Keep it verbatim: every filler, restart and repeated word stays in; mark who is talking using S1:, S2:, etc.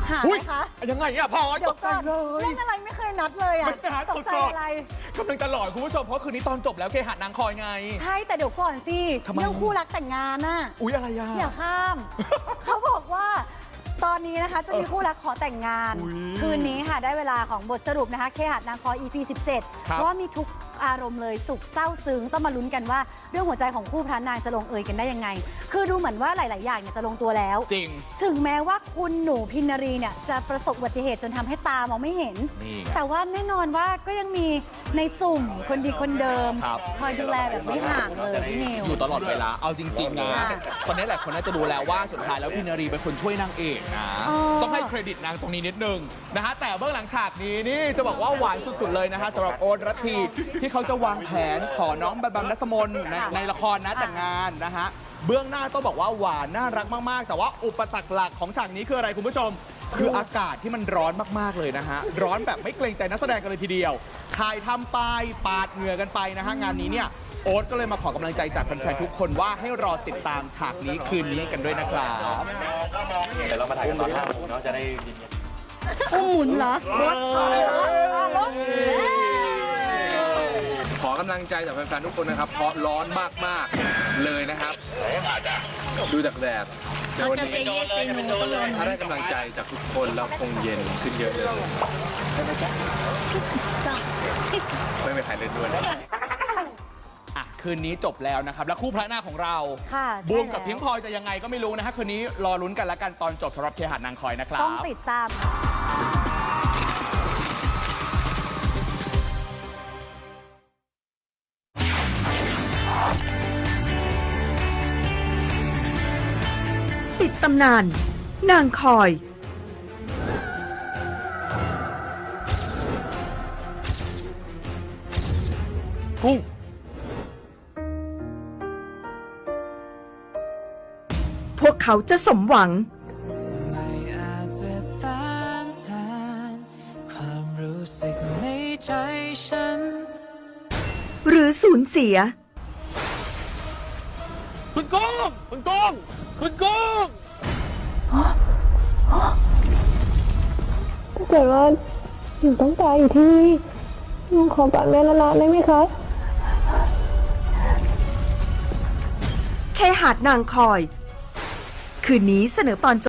S1: หาไหมคะ
S2: ยังไงอ่ะพอตกใจเลย
S1: เล่นอะไรไม่เคยนัดเลยอ่ะตกใจอะไร
S2: กำลังจะหลอนคุณผู้ชมเพราะคืนนี้ตอนจบแล้วเคหะนางคอยไง
S1: ใช่แต่เดี๋ยวก่อนสิเรื่องคู่รักแต่งงานน่ะ
S2: อุ๊ยอะไรอ่ะ
S1: อย่าข้าม เขาบอกว่าตอนนี้นะคะจะมีคู่รักขอแต่งงาน คืนนี้ค่ะได้เวลาของบทสรุปนะคะเคหะนางคอย อี พี สิบเจ็ด ว่ามีทุกอารมณ์เลยสุขเศร้าซึ้งต้องมาลุ้นกันว่าเรื่องหัวใจของคู่พระนางจะลงเอยกันได้ยังไงคือดูเหมือนว่าหลาย ๆ อย่างเนี่ยจะลงตัวแล้ว
S2: จริง
S1: ถึงแม้ว่าคุณหนูพินารีเนี่ยจะประสบอุบัติเหตุจนทำให้ตามองไม่เห็นแต่ว่าแน่นอนว่าก็ยังมีในจุ่มคนดีคนเดิมคอยดูแลแบบไม่ห่างเลยพี่นิว
S2: อยู่ตลอดเวลาเอาจริง ๆ นะตอนนี้หลายคนน่าจะดูแล้วว่าสุดท้ายแล้วพินารีเป็นคนช่วยนางเอกนะต้องให้เครดิตนางตรงนี้นิดนึงนะฮะแต่เบื้องหลังฉากนี้นี่จะบอกว่าหวานสุด ๆ เลยนะฮะสำหรับโอ๊ตรัตทีที่เขาจะวางแผนขอน้องแบมแบมนัสมนในในละครนะแต่งงานนะฮะเบื้องหน้าต้องบอกว่าหวานน่ารักมากๆแต่ว่าอุปสรรคหลักของฉากนี้คืออะไรคุณผู้ชมคืออากาศที่มันร้อนมากๆเลยนะฮะร้อนแบบไม่เกรงใจนักแสดงกันเลยทีเดียวถ่ายทำไปปาดเหงื่อกันไปนะฮะงานนี้เนี่ยโอ๊ตก็เลยมาขอกำลังใจจากแฟนๆทุกคนว่าให้รอติดตามฉากนี้คืนนี้กันด้วยนะครับ
S3: เดี๋ยวเรามาถ่ายกันตอนห้าโมงเนาะจะได้ยิน
S1: อุ้มหมุนเหรอรถรถ
S4: ขอกำลังใจจากแฟนๆทุกคนนะครับเพราะร้อนมากๆเลยนะครับดูจากแดดในวันนี้ถ้าได้กำลังใจจากทุกคนแล้วคงเย็นขึ้นเยอะเลยไม่มีใครเล่นด้วย
S2: อ่ะคืนนี้จบแล้วนะครับแล้วคู่พระนางของเราบูมกับพิงพลอยจะยังไงก็ไม่รู้นะฮะคืนนี้รอลุ้นกันละกันตอนจบสำหรับเคหะนางคอยนะครับ
S1: ต้องติดตาม
S5: ปิดตำนานนางคอย
S2: กุ้ง
S5: พวกเขาจะสมหวัง
S6: ไม่อาจจะต้านทานความรู้สึกในใจฉัน
S5: หรือสูญเสีย
S2: คุณกุ้งคุณกุ้งคุณกุ้ง
S7: ถ้าเกิดว่าหนูต้องตายอยู่ที่นี่หนูขอกอดแม่ละลาได้ไหมคะ
S5: เคหะนางคอยคืนนี้เสนอตอน